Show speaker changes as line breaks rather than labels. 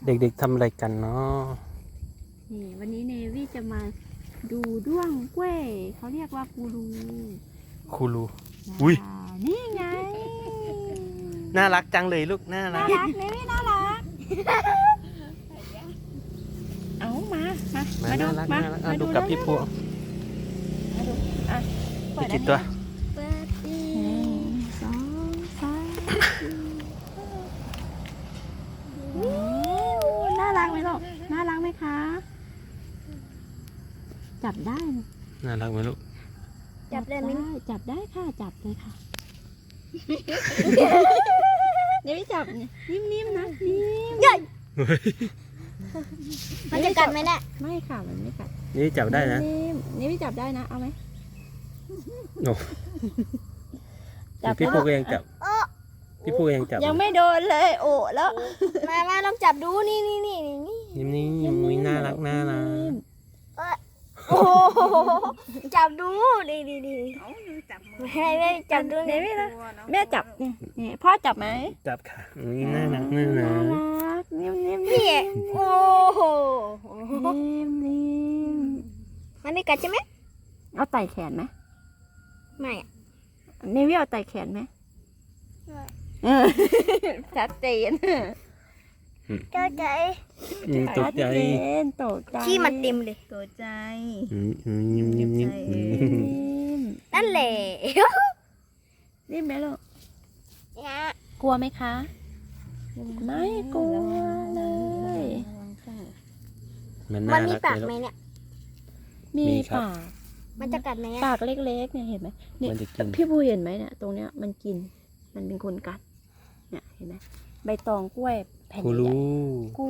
เด็กๆทำอะไรกันเนาะ
นี่วันนี้เนวี่จะมาดูด้วงกล้วยเขาเรียกว่ากูรู
คูรูอุ้ย
นี่ไง
น่ารักจังเลยลูกน่ารั
น่าก รักเนวี่น่ารักเอามาดู
น่ารัก
มา
น่ารัก
มา
ดูกับพี่พวง
มาดูอ่ะ
มีกี่ตัว
เปิดดี
1 2 3 4น่ารักไหมลูกน่ารักไหมคะจับได้ไหม
น่ารักไหมลูก
จับได้ไหม
จับได้ค่ะจับเลยค่ะ เดี๋ยวจับเนี่ยนิ่มๆนะนิ่ม
ใหญ่มันจะกัดไหมเนี่ย
ไม่ค่ะมันไม่กัด
นี่จับได้นะ
นี่ไม่จับได้นะเอาไหม
โอ้
จับ
พี่พวงก็ยังจับ
โอ้
พี่พวงยังจับ
ยังไม่โดนเลยโอ้แล้ว
มาลองจับดูนี่
นิ่มๆมุ้ยน่ารักน่ารัก
โอ้จับดูดีไม่จับดู
เดี๋ยวไม่นะแม่จับนี่พ่อจับไหม
จับค่ะอุ้ยน่ารักน่ารั
น่าก รักนิ่มๆ
นี่โอ้โห
นิ่ม
มันไม่กัดใช่ไหม
ๆเอาไต่แขนไหม
ไม่
เนวี่เอาไต่แขนไหมเออชัดเจน
เจ้าใจ
ตกใจ
ตกใจ
ที่มันเต็มเลย
ตกใจ
นิ่มๆ
นิ่ม
นั่นแหละ
นิ่มไหมลูก
เนี่ย
กลัวไหมคะ ไม่กลัวเลย
มัน
มั
น่าน
มี
รัก
ปาก
เลย
ไหม
ลูก
เนี่ย
มี
มีครับ
ปาก
มันจะกัดไหมเนี่ย
ปากเล็กๆเนี่ยเห็นไหมเนี่ย
มันจะกิน
พี่ภูเห็นไหมเนี่ยตรงเนี้ยมันกินมันเป็นคนกัดเนี่ยเห็นไหมใบตองกล้วยแผ่น
คู
ใหญ่
รู